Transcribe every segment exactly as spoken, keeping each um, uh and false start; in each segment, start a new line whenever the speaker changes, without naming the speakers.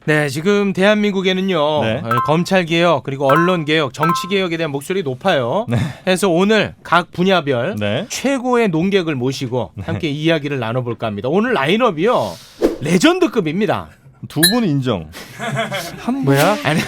네, 지금 대한민국에는요
네.
검찰 개혁 그리고 언론 개혁, 정치 개혁에 대한 목소리 높아요.
네.
그래서 오늘 각 분야별
네.
최고의 논객을 모시고 함께 이야기를 나눠볼까 합니다. 오늘 라인업이요 레전드급입니다.
두 분 인정.
한 뭐야? 아니,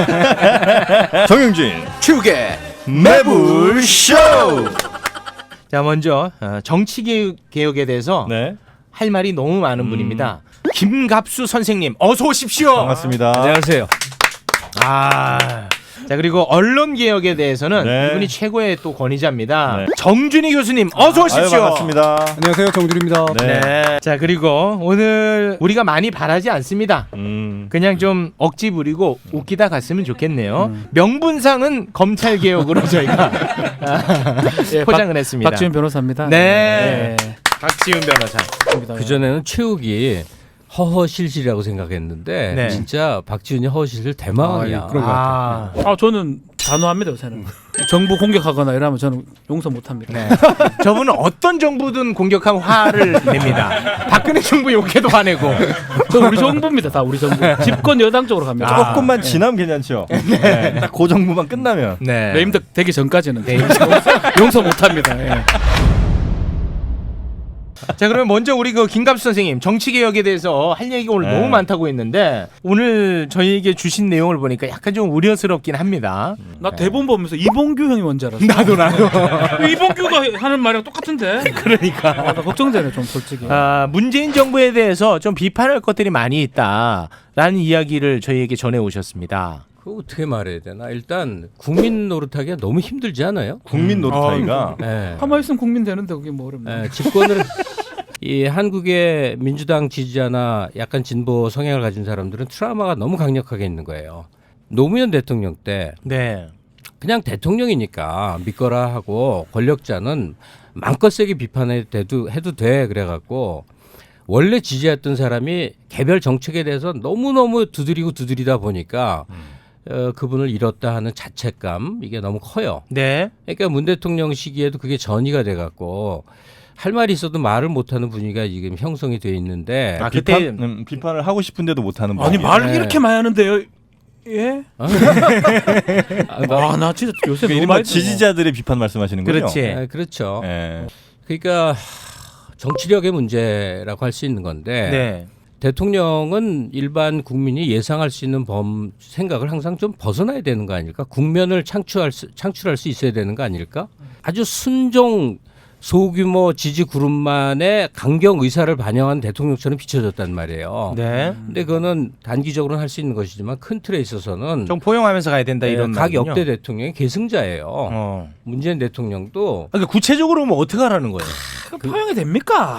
정영진
축의
매불쇼.
자, 먼저 어, 정치 개혁, 개혁에 대해서
네.
할 말이 너무 많은
음.
분입니다. 김갑수 선생님, 어서 오십시오.
반갑습니다.
안녕하세요.
아, 자, 그리고 언론 개혁에 대해서는
네.
이분이 최고의 또 권위자입니다.
네.
정준희 교수님, 어서 오십시오.
아유, 반갑습니다.
안녕하세요, 정준입니다.
네.
네. 자, 그리고 오늘 우리가 많이 바라지 않습니다.
음.
그냥 좀 억지 부리고 웃기다 갔으면 좋겠네요.
음.
명분상은 검찰 개혁으로 저희가
예,
포장을
박,
했습니다.
박지훈 변호사입니다.
네.
네.
박지훈 변호사.
그렇습니다.
그전에는 최욱이 허허실실이라고 생각했는데
네.
진짜 박지훈이 허허실실 대망이야.
아, 그런 것
아,
아, 저는 단호합니다, 요새는. 정부 공격하거나 이러면 저는 용서 못합니다.
네. 저분은 어떤 정부든 공격하면 화를 냅니다. 박근혜 정부 욕해도 화내고.
저 우리 정부입니다, 다 우리 정부. 집권 여당 쪽으로 갑니다.
아.
조금만 지나면 괜찮죠. 네. 딱 그 정부만 끝나면.
네.
레임덕 되기 전까지는
네.
용서 못합니다. 예.
자, 그러면 먼저 우리 그 김갑수 선생님 정치 개혁에 대해서 할 얘기가 오늘
네.
너무 많다고 했는데 오늘 저희에게 주신 내용을 보니까 약간 좀 우려스럽긴 합니다.
나 대본 보면서 이봉규 형이 뭔지 알았어.
나도 나도.
이봉규가 하는 말이랑 똑같은데.
그러니까.
아, 나 걱정되네, 좀 솔직히.
아, 문재인 정부에 대해서 좀 비판할 것들이 많이 있다라는 이야기를 저희에게 전해 오셨습니다.
그거 어떻게 말해야 되나? 일단 국민 노릇하기가 너무 힘들지 않아요?
국민 노릇하기가.
네.
가만히 있으면 국민 되는데 그게 뭐 어렵나.
네, 집권을 이 한국의 민주당 지지자나 약간 진보 성향을 가진 사람들은 트라우마가 너무 강력하게 있는 거예요. 노무현 대통령 때
네.
그냥 대통령이니까 믿거라 하고 권력자는 마음껏 세게 비판해도 해도 돼 그래갖고 원래 지지했던 사람이 개별 정책에 대해서 너무너무 두드리고 두드리다 보니까 어, 그분을 잃었다 하는 자책감 이게 너무 커요.
네.
그러니까 문 대통령 시기에도 그게 전이가 돼갖고 할 말이 있어도 말을 못하는 분위기가 지금 형성이 돼 있는데
아,
비판,
그때
음, 비판을 하고 싶은데도 못하는
아니,
분위기.
말을
네.
이렇게 많이 하는데요. 예?
아,
아, 나 진짜 요새
그
너무
이른바
많이
지지자들의 비판 말씀하시는 거죠?
그렇지.
아, 그렇죠.
예.
그러니까 하, 정치력의 문제라고 할 수 있는 건데
네.
대통령은 일반 국민이 예상할 수 있는 범 생각을 항상 좀 벗어나야 되는 거 아닐까? 국면을 창출할 수, 창출할 수 있어야 되는 거 아닐까? 아주 순종 소규모 지지 그룹만의 강경 의사를 반영한 대통령처럼 비춰졌단 말이에요.
네.
근데 그거는 단기적으로는 할 수 있는 것이지만 큰 틀에 있어서는
좀 포용하면서 가야 된다 이런
각
말이군요.
역대 대통령이 계승자예요.
어.
문재인 대통령도
그러니까 구체적으로 뭐 어떻게 하라는 거예요?
그 포용이 됩니까?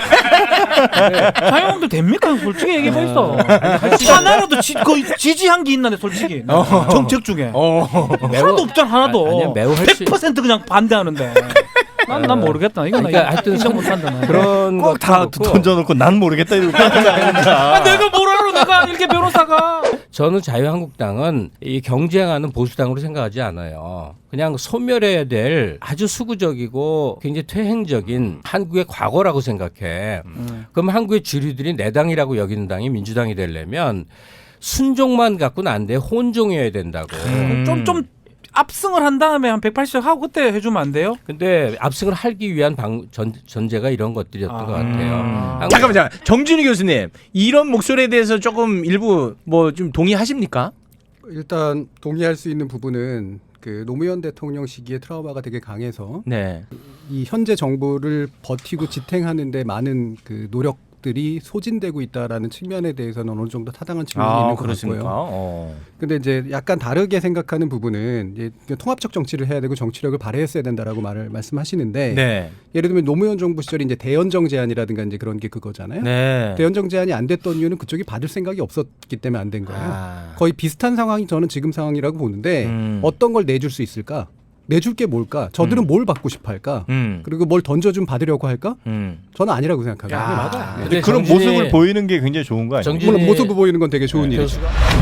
사용도 됩니까? 솔직히 얘기해 보이소. 하나라도 지, 그 지지한 게 있나네, 솔직히. 정책 중에.
어.
하나도 없잖아, 하나도.
아, 아니야, 매우 할 수-
백 퍼센트 그냥 반대하는데. 난, 난 모르겠다. 이건
그러니까
나
하여튼
인정 못한다. 나.
그런
꼭 다
것도 그렇고
던져놓고 난 모르겠다 이러고
아, 내가 뭘 알아? 내가 이렇게 변호사가.
저는 자유한국당은 이 경쟁하는 보수당으로 생각하지 않아요. 그냥 소멸해야 될 아주 수구적이고 굉장히 퇴행적인 한국의 과거라고 생각해.
음.
그럼 한국의 주류들이 내 당이라고 여기는 당이 민주당이 되려면 순종만 갖고는 안 돼. 혼종이어야 된다고.
음.
좀, 좀 압승을 한 다음에 한 백팔십 하고 그때 해주면 안 돼요?
근데 압승을 하기 위한 방, 전, 전제가 이런 것들이었던
아.
것 같아요. 한국-
잠깐만, 잠깐. 정준희 교수님, 이런 목소리에 대해서 조금 일부 뭐 좀 동의하십니까?
일단 동의할 수 있는 부분은 그 노무현 대통령 시기에 트라우마가 되게 강해서
네.
이 현재 정부를 버티고 지탱하는데 많은 그 노력들이 소진되고 있다라는 측면에 대해서는 어느 정도 타당한 측면이 있는 것
그렇습니까?
같고요.
어.
근데 이제 약간 다르게 생각하는 부분은 이제 통합적 정치를 해야 되고 정치력을 발휘했어야 된다라고 말을 말씀하시는데
네.
예를 들면 노무현 정부 시절에 이제 대연정 제안이라든가 이제 그런 게 그거잖아요.
네.
대연정 제안이 안 됐던 이유는 그쪽이 받을 생각이 없었기 때문에 안 된 거예요.
아.
거의 비슷한 상황이 저는 지금 상황이라고 보는데
음.
어떤 걸 내줄 수 있을까? 내줄 게 뭘까? 저들은
음.
뭘 받고 싶어 할까?
음.
그리고 뭘 던져좀 받으려고 할까?
음.
저는 아니라고 생각하거든요.
야,
맞아요.
근데
그런
정진이-
모습을 보이는 게 굉장히 좋은 거 아니에요?
정진이-
물론 모습을 보이는 건 되게 좋은
네.
일이죠.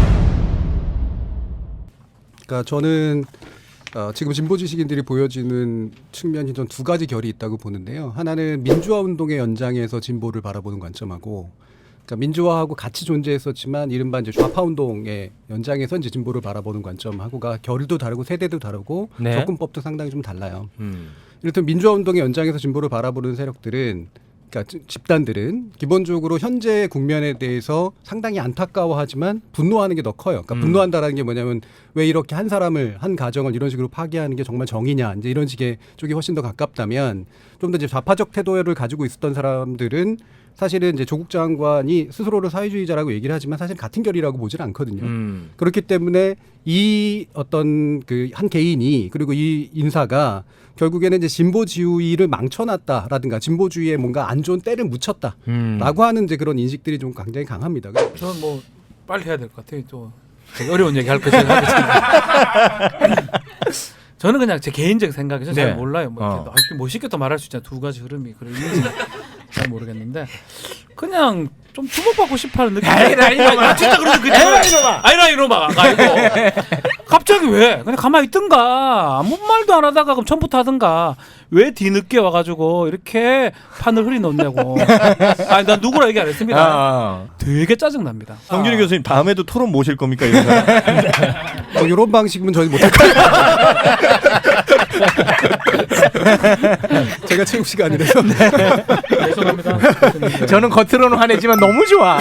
그러니까 저는 어, 지금 진보 지식인들이 보여지는 측면이 전 두 가지 결이 있다고 보는데요. 하나는 민주화 운동의 연장에서 진보를 바라보는 관점하고 그러니까 민주화하고 같이 존재했었지만 이른바 이제 좌파 운동의 연장에서 이제 진보를 바라보는 관점하고가 결도 다르고 세대도 다르고
네.
접근법도 상당히 좀 달라요.
음.
이를테면 민주화 운동의 연장에서 진보를 바라보는 세력들은 그러니까 집단들은 기본적으로 현재 국면에 대해서 상당히 안타까워하지만 분노하는 게 더 커요. 그러니까
음.
분노한다라는 게 뭐냐면 왜 이렇게 한 사람을 한 가정을 이런 식으로 파괴하는 게 정말 정의냐 이제 이런 식의 쪽이 훨씬 더 가깝다면 좀 더 이제 좌파적 태도를 가지고 있었던 사람들은 사실은 이제 조국 장관이 스스로를 사회주의자라고 얘기를 하지만 사실 같은 결이라고 보지는 않거든요.
음.
그렇기 때문에 이 어떤 그 한 개인이 그리고 이 인사가 결국에는 이제 진보주의를 망쳐놨다라든가 진보주의에 뭔가 안 좋은 때를 묻혔다라고
음.
하는 이제 그런 인식들이 좀 굉장히 강합니다.
저는 뭐 빨리 해야 될 것 같아요. 또 되게 어려운 얘기 할 거 제가 하겠습니다. 저는 그냥 제 개인적 생각에서
네.
잘 몰라요. 뭐
어.
이렇게 아, 이렇게 멋있게 또 말할 수 있잖아요. 두 가지 흐름이 그런 있는지 잘 모르겠는데 그냥 좀 주목받고 싶어하는 느낌.
에이라 이놈아.
아, 진짜 그런 느낌.
에이라 이놈아.
아이라 이놈아가 아니고 갑자기 왜? 그냥 가만히 있든가 아무 말도 안 하다가 그럼 처음부터 하든가 왜 뒤늦게 와가지고 이렇게 판을 흐리놓냐고. 아니 난 누구라 얘기 안 했습니다.
아.
되게 짜증 납니다.
정준희 교수님 다음에도 토론 모실 겁니까 이런 사람?
뭐 이런 방식은 저희 못할 거예요. 제가 체육 시간이라서.
죄송합니다.
저는 겉으로는 화내지만 너무 좋아.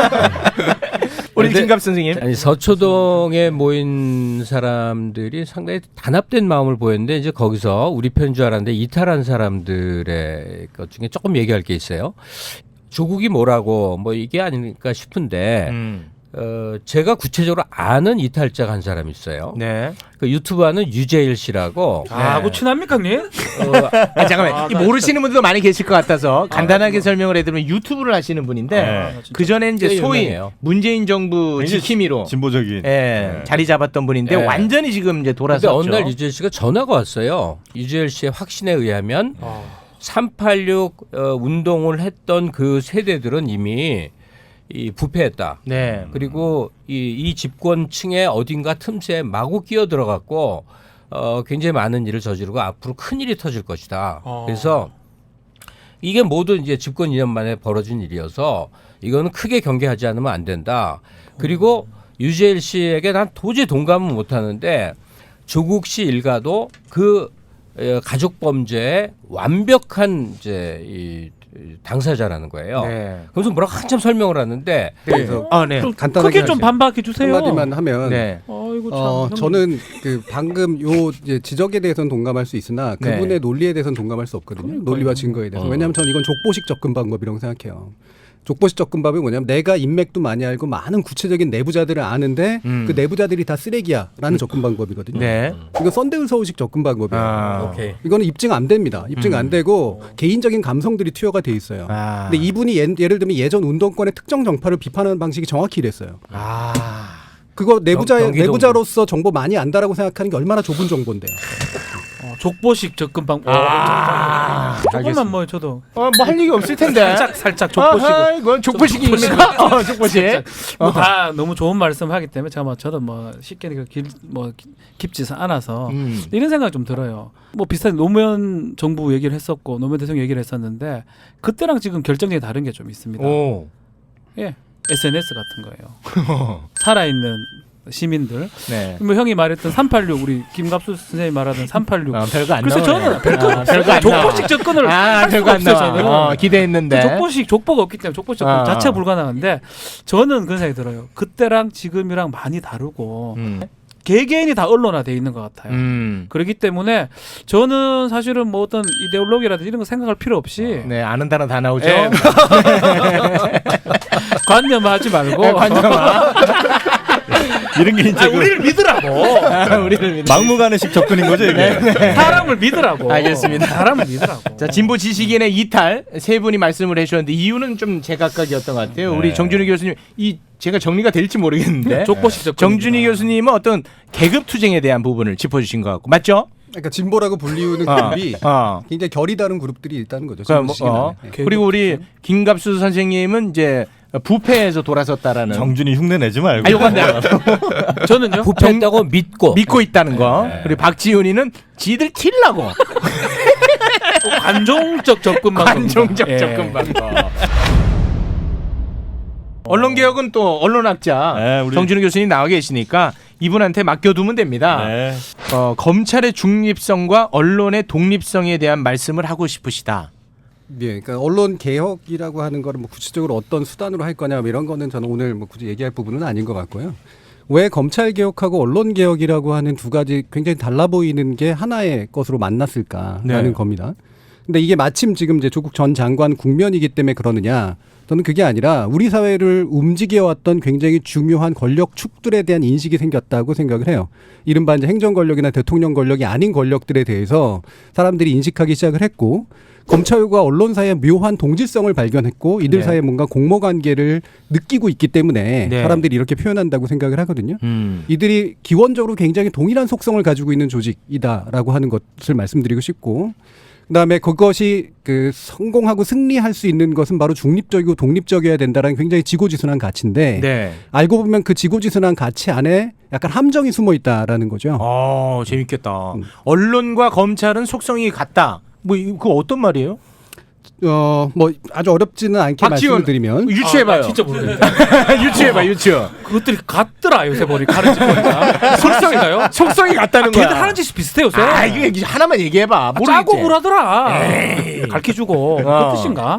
우리
근데-
김갑 선생님.
아니 서초동에 모인 사람들이 상당히 단합된 마음을 보였는데 이제 거기서 우리 편인 줄 알았는데 이탈한 사람들의 것 중에 조금 얘기할 게 있어요. 조국이 뭐라고 뭐 이게 아닐까 싶은데
음.
어, 제가 구체적으로 아는 이탈자가 한 사람이 있어요.
네.
그 유튜브 하는 유재일 씨라고.
아,
네.
그 친합니까, 님?
어,
아 잠깐만. 이 모르시는 분들도 많이 계실 것 같아서 간단하게
아,
설명을 해드리면 유튜브를 하시는 분인데
네.
그 전에 이제
꽤
소위
유명해요.
문재인 정부
굉장히
지킴이로
진보적인.
예,
네.
자리 잡았던 분인데
네.
완전히 지금 이제
근데
돌아섰죠.
어느 날 유재일 씨가 전화가 왔어요. 유재일 씨의 확신에 의하면 삼팔육 어, 운동을 했던 그 세대들은 이미 이 부패했다.
네.
그리고 이, 이 집권층의 어딘가 틈새에 마구 끼어 들어갔고 어, 굉장히 많은 일을 저지르고 앞으로 큰 일이 터질 것이다.
어.
그래서 이게 모두 이제 집권 이 년 만에 벌어진 일이어서 이거는 크게 경계하지 않으면 안 된다. 그리고 유재일 씨에게 난 도저히 동감은 못하는데 조국 씨 일가도 그 어, 가족 범죄의 완벽한 이제 이 당사자라는 거예요.
네.
그래서 뭐라고 한참 설명을 하는데
그래서
아, 네.
좀
간단하게
크게 좀
하죠.
반박해 주세요.
한마디만 하면
네.
아이고 참.
어,
형님.
저는 그 방금 요 이제 지적에 대해서는 동감할 수 있으나
네.
그분의 논리에 대해서는 동감할 수 없거든요.
그러니까요.
논리와 증거에 대해서.
어.
왜냐하면 저는 이건 족보식 접근 방법이라고 생각해요. 족보식 접근법이 뭐냐면 내가 인맥도 많이 알고 많은 구체적인 내부자들을 아는데
음.
그 내부자들이 다 쓰레기야라는 접근 방법이거든요.
네.
이거 썬데울 서울식 접근 방법이에요.
아.
오케이.
이거는 입증 안 됩니다. 입증
음.
안 되고 개인적인 감성들이 투여가 돼 있어요.
아.
근데 이분이 예, 예를 들면 예전 운동권의 특정 정파를 비판하는 방식이 정확히 이랬어요.
아.
그거 내부자
경- 경기도
내부자로서 정보 많이 안다라고 생각하는 게 얼마나 좁은 정보인데요.
어, 족보식 접근 방법.
아.
조금만 뭐 저도
어, 뭐 할 얘기 없을 텐데.
살짝 살짝 족보식으로.
아하, 이건 족보식입니까? 어, 족보식.
뭐 다 너무 좋은 말씀하기 때문에 제가 뭐 저도 뭐 쉽게 길뭐 깊지 않아서
음.
이런 생각 좀 들어요. 뭐 비슷한 노무현 정부 얘기를 했었고 노무현 대통령 얘기를 했었는데 그때랑 지금 결정적인 다른 게 좀 있습니다.
오.
예, 에스엔에스 같은 거예요. 살아있는 시민들.
네.
뭐 형이 말했던 삼팔육 우리 김갑수 선생님이 말하던 삼팔육.
아, 별거 안
그래서
나오네.
저는 별거
아, 별거 안 나와.
족보식 접근을
아,
할
별거
수가
안
없어요.
나와.
저는.
어, 기대했는데.
그 족보식 족보가 없기 때문에 족보식 접근
아.
자체가 불가능한데 저는 그런 생각이 들어요. 그때랑 지금이랑 많이 다르고
음.
개개인이 다 언론화돼 있는 것 같아요.
음.
그렇기 때문에 저는 사실은 뭐 어떤 이데올로기라든지 이런 거 생각할 필요 없이
네, 아는 단어 다 나오죠.
예. 관념하지 말고
네, 관점아.
이런 게 이제
아,
그
우리를 믿으라고
우리를 믿
막무가내식 접근인 거죠 이게.
사람을 믿으라고
알겠습니다.
사람을 믿으라고.
자, 진보 지식인의 이탈 세 분이 말씀을 해주셨는데 이유는 좀 제각각이었던 것 같아요.
네.
우리 정준희 교수님 이 제가 정리가 될지 모르겠는데
족보식 접근.
정준희 교수님은 어떤 계급 투쟁에 대한 부분을 짚어주신 것 같고 맞죠?
그러니까 진보라고 불리우는
어,
그룹이
어.
굉장히 결이 다른 그룹들이 있다는 거죠.
그러니까 뭐,
진보
어.
시기는. 네.
그리고 우리 김갑수 선생님은 이제 부패에서 돌아섰다라는.
정준이 흉내 내지 말고.
아, 요건 내가
저는요.
부패했다고 믿고
믿고 있다는 거. 그리고 박지훈이는 지들 틸라고.
관종적 접근 방법.
관종적
예.
접근 방법. 언론개혁은 또 언론학자
네, 우리-
정준우 교수님 나와 계시니까 이분한테 맡겨두면 됩니다.
네.
어, 검찰의 중립성과 언론의 독립성에 대한 말씀을 하고 싶으시다.
예, 그러니까 언론 개혁이라고 하는 거를 뭐 구체적으로 어떤 수단으로 할 거냐 뭐 이런 거는 저는 오늘 뭐 굳이 얘기할 부분은 아닌 것 같고요. 왜 검찰 개혁하고 언론 개혁이라고 하는 두 가지 굉장히 달라 보이는 게 하나의 것으로 만났을까라는
네.
겁니다. 근데 이게 마침 지금 이제 조국 전 장관 국면이기 때문에 그러느냐? 저는 그게 아니라 우리 사회를 움직여왔던 굉장히 중요한 권력 축들에 대한 인식이 생겼다고 생각을 해요. 이른바 이제 행정 권력이나 대통령 권력이 아닌 권력들에 대해서 사람들이 인식하기 시작을 했고, 검찰과 언론 사이의 묘한 동질성을 발견했고, 이들
네.
사이에 뭔가 공모 관계를 느끼고 있기 때문에
네.
사람들이 이렇게 표현한다고 생각을 하거든요.
음.
이들이 기원적으로 굉장히 동일한 속성을 가지고 있는 조직이다라고 하는 것을 말씀드리고 싶고, 그다음에 그것이 그 성공하고 승리할 수 있는 것은 바로 중립적이고 독립적이어야 된다라는 굉장히 지고지순한 가치인데,
네.
알고 보면 그 지고지순한 가치 안에 약간 함정이 숨어 있다라는 거죠.
어, 재밌겠다.
음.
언론과 검찰은 속성이 같다. 뭐 이- 그거 어떤 말이에요?
어, 뭐 아주 어렵지는 않게
박지원
말씀을 드리면,
유추해봐요.
아, 나 진짜 모르겠다.
유추해봐, 유추.
그것들이 같더라 요새 머리 가르치 보니까. 속성인가요?
속성이 같다는 거야.
걔들 하는 짓이 비슷해 요새.
아, 이거 하나만 얘기해봐.
아,
모르겠지.
짜고 굴하더라. 가르쳐주고
어.
그 뜻인가?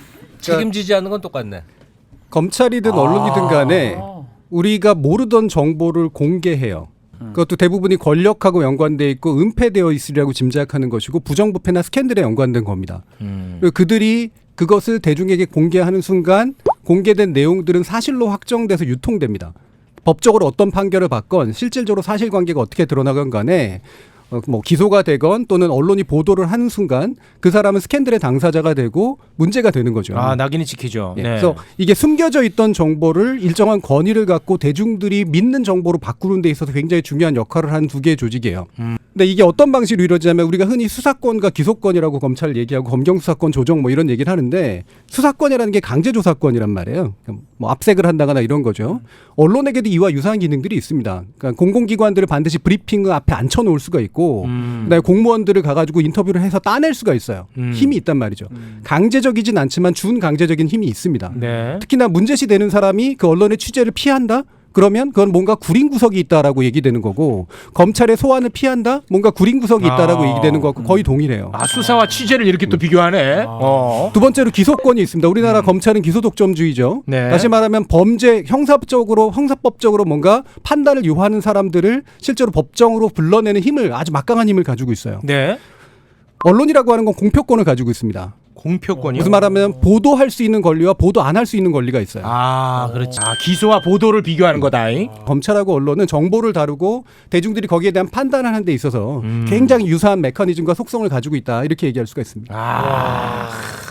책임지지 않는 건 똑같네.
검찰이든 언론이든 간에
아.
우리가 모르던 정보를 공개해요.
음.
그것도 대부분이 권력하고 연관돼 있고 은폐되어 있으리라고 짐작하는 것이고 부정부패나 스캔들에 연관된 겁니다.
음.
그리고 그들이 그것을 대중에게 공개하는 순간 공개된 내용들은 사실로 확정돼서 유통됩니다. 법적으로 어떤 판결을 받건 실질적으로 사실관계가 어떻게 드러나건 간에 어, 뭐 기소가 되건 또는 언론이 보도를 하는 순간 그 사람은 스캔들의 당사자가 되고 문제가 되는 거죠.
아, 낙인이 찍히죠.
예,
네.
그래서 이게 숨겨져 있던 정보를 일정한 권위를 갖고 대중들이 믿는 정보로 바꾸는 데 있어서 굉장히 중요한 역할을 하는 두 개의 조직이에요.
음.
근데 이게 어떤 방식으로 이루어지냐면 우리가 흔히 수사권과 기소권이라고 검찰 얘기하고 검경수사권 조정 뭐 이런 얘기를 하는데, 수사권이라는 게 강제조사권이란 말이에요. 뭐 압색을 한다거나 이런 거죠. 언론에게도 이와 유사한 기능들이 있습니다. 그러니까 공공기관들을 반드시 브리핑 앞에 앉혀놓을 수가 있고,
음.
그다음에 공무원들을 가가지고 인터뷰를 해서 따낼 수가 있어요.
음.
힘이 있단 말이죠. 강제적이진 않지만 준강제적인 힘이 있습니다.
네.
특히나 문제시 되는 사람이 그 언론의 취재를 피한다? 그러면 그건 뭔가 구린 구석이 있다라고 얘기되는 거고, 검찰의 소환을 피한다? 뭔가 구린 구석이 있다라고
아.
얘기되는 거고 거의 동일해요.
아, 수사와 취재를 이렇게 또 비교하네. 어.
두 번째로 기소권이 있습니다. 우리나라 검찰은 기소 독점주의죠.
네.
다시 말하면 범죄 형사적으로 형사법적으로 뭔가 판단을 요하는 사람들을 실제로 법정으로 불러내는 힘을, 아주 막강한 힘을 가지고 있어요.
네.
언론이라고 하는 건 공표권을 가지고 있습니다.
공표권이요.
무슨 말하면 보도할 수 있는 권리와 보도 안 할 수 있는 권리가 있어요.
아, 그렇지. 아, 기소와 보도를 비교하는 거다.
검찰하고 언론은 정보를 다루고 대중들이 거기에 대한 판단을 하는 데 있어서
음.
굉장히 유사한 메커니즘과 속성을 가지고 있다, 이렇게 얘기할 수가 있습니다.
아.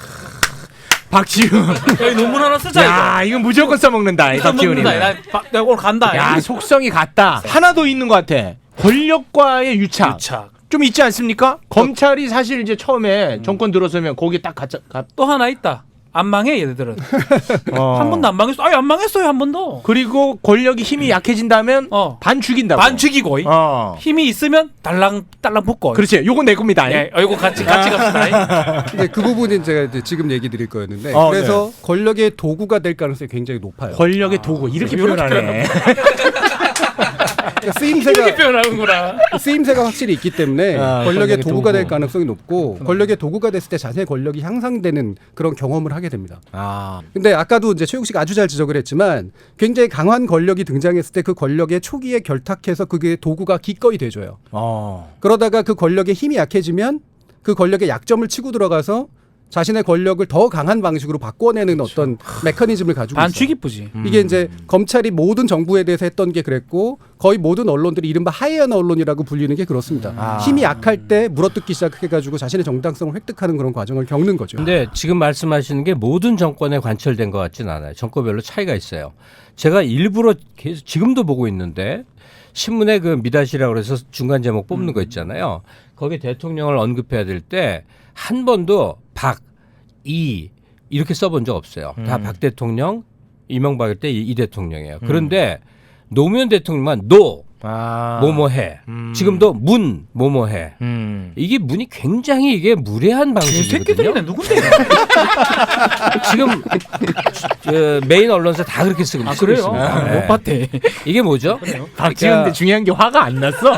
박지훈.
여기 논문 하나 쓰자
야, 이거 무조건 써먹는다. 이
이거.
박지훈이.
나, 나, 나, 나 오늘 간다.
야, 속성이 같다. 하나 더 있는 것 같아. 권력과의 유착.
유착.
좀 있지 않습니까? 검찰이 사실 이제 처음에 정권 들어서면 거기에 딱 갇혀. 가,
또 하나 있다. 안 망해 얘들은.
어.
한 번도 안 망했어. 아니 안 망했어요 한 번도.
그리고 권력이 힘이 약해진다면
어.
반 죽인다고.
반 죽이고.
어.
힘이 있으면 달랑 달랑 붙고.
그렇지. 요건 내 겁니다.
예, 어이구 같이 같이 갑시다.
근데 그 부분은 제가 이제 지금 얘기 드릴 거였는데,
어,
그래서 권력의 도구가 될 가능성이 굉장히 높아요.
권력의 도구 이렇게
이렇게
표현하네.
그러니까
이렇게
쓰임새가
표현하는구나.
쓰임새가 확실히 있기 때문에
아,
권력의
권력의
도구가 될
도구.
가능성이 높고, 권력의 도구가 됐을 때 자신의 권력이 향상되는 그런 경험을 하게 됩니다.
아,
근데 아까도 이제 최욱 씨가 아주 잘 지적을 했지만, 굉장히 강한 권력이 등장했을 때 그 권력의 초기에 결탁해서 그게 도구가 기꺼이 돼줘요.
어,
그러다가 그 권력의 힘이 약해지면 그 권력의 약점을 치고 들어가서 자신의 권력을 더 강한 방식으로 바꿔내는 어떤 메커니즘을 가지고
반
있어요.
죽이쁘지.
이게 이제 검찰이 모든 정부에 대해서 했던 게 그랬고, 거의 모든 언론들이 이른바 하이에나 언론이라고 불리는 게 그렇습니다.
아.
힘이 약할 때 물어뜯기 시작해가지고 자신의 정당성을 획득하는 그런 과정을 겪는 거죠.
근데 지금 말씀하시는 게 모든 정권에 관철된 것 같지는 않아요. 정권별로 차이가 있어요. 제가 일부러 계속 지금도 보고 있는데, 신문에 그 미다시라고 그래서 중간 제목 뽑는 거 있잖아요. 거기 대통령을 언급해야 될 때 한 번도 박, 이 이렇게 써본 적 없어요. 다
음.
박 대통령, 이명박일 때 이 대통령이에요. 그런데 노무현 대통령만 노,
아.
뭐뭐해.
음.
지금도 문 뭐뭐해.
음.
이게 문이 굉장히 이게 무례한 방식이거든요.
새끼들이네 누군데?
지금 저 메인 언론사 다 그렇게 쓰고,
아
쓰고
그래요?
있습니다.
아,
네.
못 봤대.
이게 뭐죠?
박지훈 근데 중요한 게 화가 안 났어.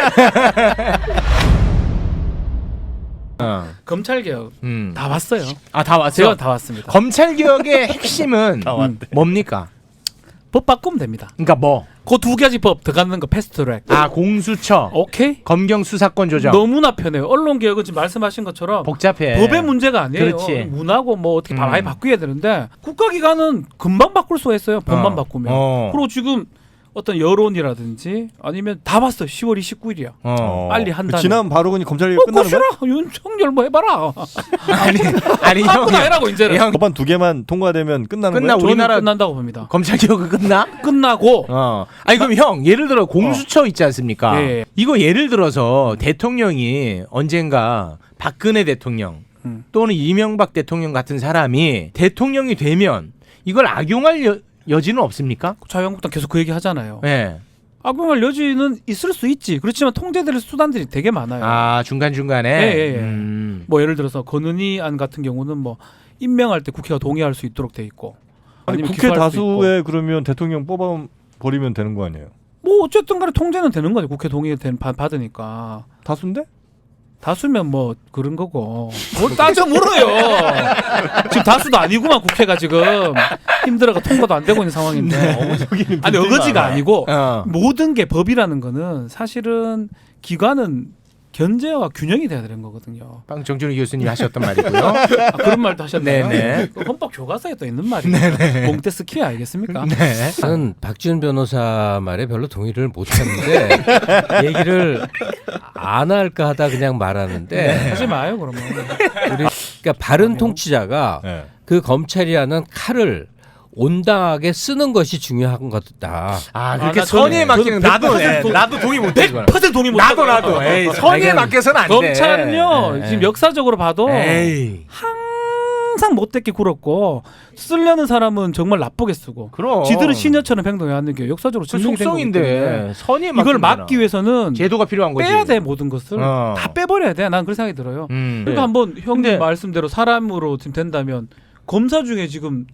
어.
검찰 개혁
음.
다 봤어요.
아, 다 왔어요.
제가 다 왔습니다.
검찰 개혁의 핵심은 뭡니까?
법 바꾸면 됩니다.
그러니까 뭐?
그 두 가지 법 들어가는 거 패스트트랙.
아, 공수처,
오케이.
검경 수사권 조정.
너무나 편해요. 언론 개혁은 지금 말씀하신 것처럼
복잡해.
법의 문제가 아니에요.
그렇지.
문하고 뭐 어떻게
음.
많이 바꾸어야 되는데 국가기관은 금방 바꿀 수가 있어요. 법만
어.
바꾸면.
어.
그리고 지금 어떤 여론이라든지 아니면 다 봤어. 시월 이십구일이야.
어.
빨리 한다는.
그 지난 바로군이 검찰 개혁
어,
끝나는 거야?
꼬시라. 윤석열 뭐 해봐라.
아니, 아니 형,
아무나 해라고 이제는.
형
법안 두 개만 통과되면 끝나는
끝나,
거야?
우리- 우리나라-
저는 끝난다고 봅니다.
검찰 개혁은 끝나?
끝나고
어. 아니 그럼 형 예를 들어 공수처 있지 않습니까?
예, 예.
이거 예를 들어서 대통령이 언젠가 박근혜 대통령
음.
또는 이명박 대통령 같은 사람이 대통령이 되면 이걸 악용할 여, 여지는 없습니까?
자유한국당 계속 그 얘기 하잖아요.
네.
악용할 여지는 있을 수 있지. 그렇지만 통제될 수단들이 되게 많아요.
아 중간 중간에.
예, 예, 예.
음.
뭐 예를 들어서 건은희 안 같은 경우는 뭐 임명할 때 국회가 동의할 수 있도록 돼 있고.
아니
아니면
국회
기소할 수 있고.
다수에 그러면 대통령 뽑아 버리면 되는 거 아니에요?
뭐 어쨌든 간에 통제는 되는 거죠. 국회 동의 된 받- 받으니까.
다수인데?
다수면 뭐 그런 거고. 뭘 따져 물어요. 지금 다수도 아니구만 국회가 지금 힘들어가 통과도 안 되고 있는 상황인데. 아니 어거지가 아니고
어.
모든 게 법이라는 거는 사실은 기관은 견제와 균형이 돼야 되는 거거든요.
방 정준희 교수님이 하셨던 말이고요.
아, 그런 말도 하셨나요?
네네.
그 헌법 교과서에 또 있는 말이에요. 몽테스키에 알겠습니까?
네.
저는 박지훈 변호사 말에 별로 동의를 못하는데 얘기를 안 할까 하다 그냥 말하는데
하지 마요 그러면.
우리 그러니까 바른 통치자가
네.
그 검찰이라는 칼을 온당하게 쓰는 것이 중요한 거다.
아 그렇게
나
선의에
저는-
맡기는
저는
나도
백 퍼센트
네,
동-
나도 동의 못해.
백 퍼센트 동의 못
나도 나도. 에이, 선의에
아니,
맡겨서는 안 돼.
검찰은요
네.
지금 역사적으로 봐도
에이.
항상 못되게 굴었고 쓰려는 사람은 정말 나쁘게 쓰고
그럼.
지들은 시녀처럼 행동해왔는 게 역사적으로
그
증명이 된 거기 때문에
속성인데 선의에
이걸
맡기는
막기 위해서는
제도가 필요한 거지.
빼야 돼 모든 것을
어.
다 빼버려야 돼. 난 그런 생각이 들어요.
음.
그러니까 한번 형님
근데-
말씀대로 사람으로 지금 된다면 검사 중에 지금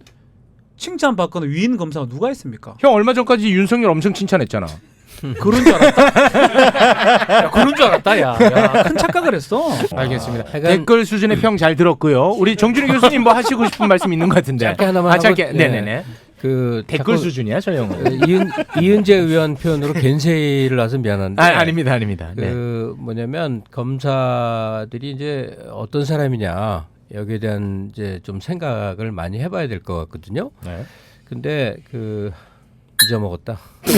칭찬받거나 위인 검사가 누가 있습니까?
형 얼마 전까지 윤석열 엄청 칭찬했잖아.
그런 줄 알았다. 야, 그런 줄 알았다. 야, 야, 큰 착각을 했어.
알겠습니다.
하여간-
댓글 수준의 평 잘 들었고요. 우리 정준희 교수님 뭐 하시고 싶은 말씀 있는 것 같은데.
짧게 하나만
아, 짧게.
하고-
네네네.
그
댓글
자꾸
수준이야 저 형은.
그 이은, 이은재 의원 표현으로 겐세이를 나서 미안한데
아 아닙니다 아닙니다. 네.
그 뭐냐면 검사들이 이제 어떤 사람이냐 여기에 대한 이제 좀 생각을 많이 해봐야 될 것 같거든요.
네.
근데 그 잊어먹었다.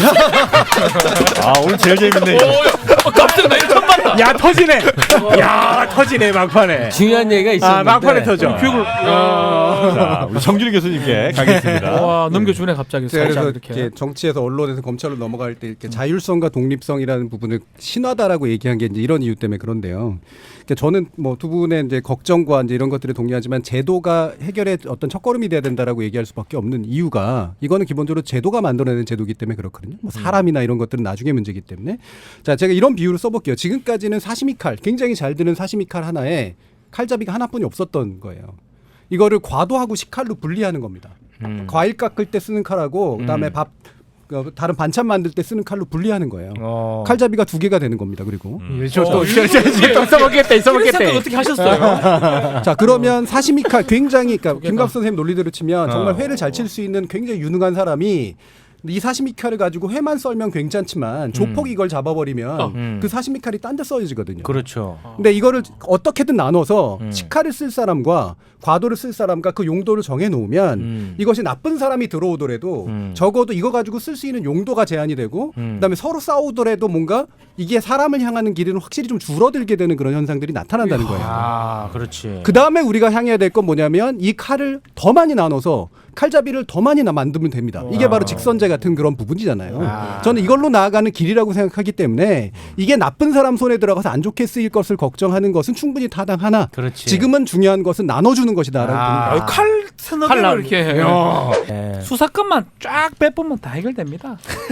아 오늘 제일 재밌네. 이거.
어, 깜짝 나 이거 처음 봤다.
야 터지네. 야 터지네 막판에.
중요한 얘기가 있었는데
아 막판에 터져.
교육을
자, 우리 정준희 교수님께 가겠습니다.
와 넘겨주네 갑자기
제가
살짝
그래서
이렇게.
이렇게 정치에서 언론에서 검찰로 넘어갈 때 이렇게 자율성과 독립성이라는 부분을 신화다라고 얘기한 게 이제 이런 이유 때문에 그런데요. 그러니까 저는 뭐 두 분의 이제 걱정과 이제 이런 것들에 동의하지만 제도가 해결의 어떤 첫걸음이 돼야 된다라고 얘기할 수밖에 없는 이유가 이거는 기본적으로 제도가 만들어내는 제도이기 때문에 그렇거든요. 뭐 사람이나 이런 것들은 나중에 문제이기 때문에. 자, 제가 이런 비유를 써볼게요. 지금까지는 사시미 칼, 굉장히 잘 드는 사시미 칼 하나에 칼잡이가 하나뿐이 없었던 거예요. 이거를 과도하고 식칼로 분리하는 겁니다.
음.
과일 깎을 때 쓰는 칼하고 그다음에
음.
밥 그, 다른 반찬 만들 때 쓰는 칼로 분리하는 거예요.
어.
칼잡이가 두 개가 되는 겁니다. 그리고
저또
어,
써먹겠다
이런 생각
써먹겠다.
어떻게 하셨어요?
자 그러면 사시미 칼 굉장히 그러니까
개가.
김갑 선생님 논리대로 치면 정말
어.
회를 잘 칠 수 있는 굉장히 유능한 사람이 이 사시미 칼을 가지고 회만 썰면 괜찮지만 조폭이 이걸 잡아버리면
어.
음.
그 사시미 칼이 딴 데 써지거든요.
그렇죠.
근데 이거를 어떻게든 나눠서
음.
식칼을 쓸 사람과 과도를 쓸 사람과 그 용도를 정해 놓으면
음.
이것이 나쁜 사람이 들어오더라도
음.
적어도 이거 가지고 쓸 수 있는 용도가 제한이 되고
음.
그다음에 서로 싸우더라도 뭔가 이게 사람을 향하는 길은 확실히 좀 줄어들게 되는 그런 현상들이 나타난다는 거예요.
아 그렇지.
그 다음에 우리가 향해야 될 건 뭐냐면 이 칼을 더 많이 나눠서 칼잡이를 더 많이 나 만들면 됩니다. 이게 바로 직선제 같은 그런 부분이잖아요.
아.
저는 이걸로 나아가는 길이라고 생각하기 때문에 이게 나쁜 사람 손에 들어가서 안 좋게 쓰일 것을 걱정하는 것은 충분히 타당하나
그렇지.
지금은 중요한 것은 나눠주는 것이다라고
아.
봅니다.
아, 칼 서너
칼
개로
나-
이렇게
야. 예.
수사권만 쫙 빼보면 다 해결됩니다.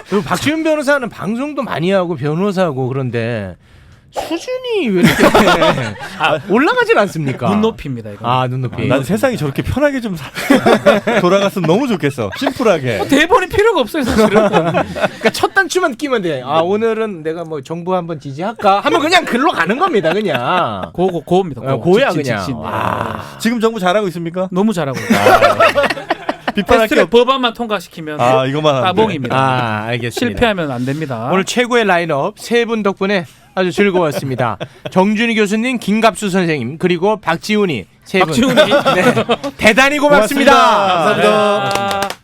그리고 박지훈 변호사는 방송도 많이 하고 변호사고 그런데 수준이 왜 이렇게 올라가질 않습니까?
눈높이입니다 이거.
아 눈높이.
난 세상이 저렇게 편하게 좀 사- 돌아갔으면 너무 좋겠어. 심플하게.
대본이 필요가 없어요 사실은.
그러니까 첫 단추만 끼면 돼. 아 오늘은 내가 뭐 정부 한번 지지할까 하면 그냥 글로 가는 겁니다 그냥.
고고 고입니다.
어,
고.
고야
직진,
그냥.
직진.
와.
지금 정부 잘하고 있습니까?
너무 잘하고 있어요.
비판할 게
패스트트랙
없.
법안만 통과시키면
아 이거만 하면 돼.
따봉입니다.
아 알겠습니다.
실패하면 안 됩니다.
오늘 최고의 라인업 세 분 덕분에 아주 즐거웠습니다. 정준희 교수님, 김갑수 선생님 그리고 박지훈이 세 분.
박지훈이
네. 대단히 고맙습니다.
고맙습니다. 감사합니다.
아.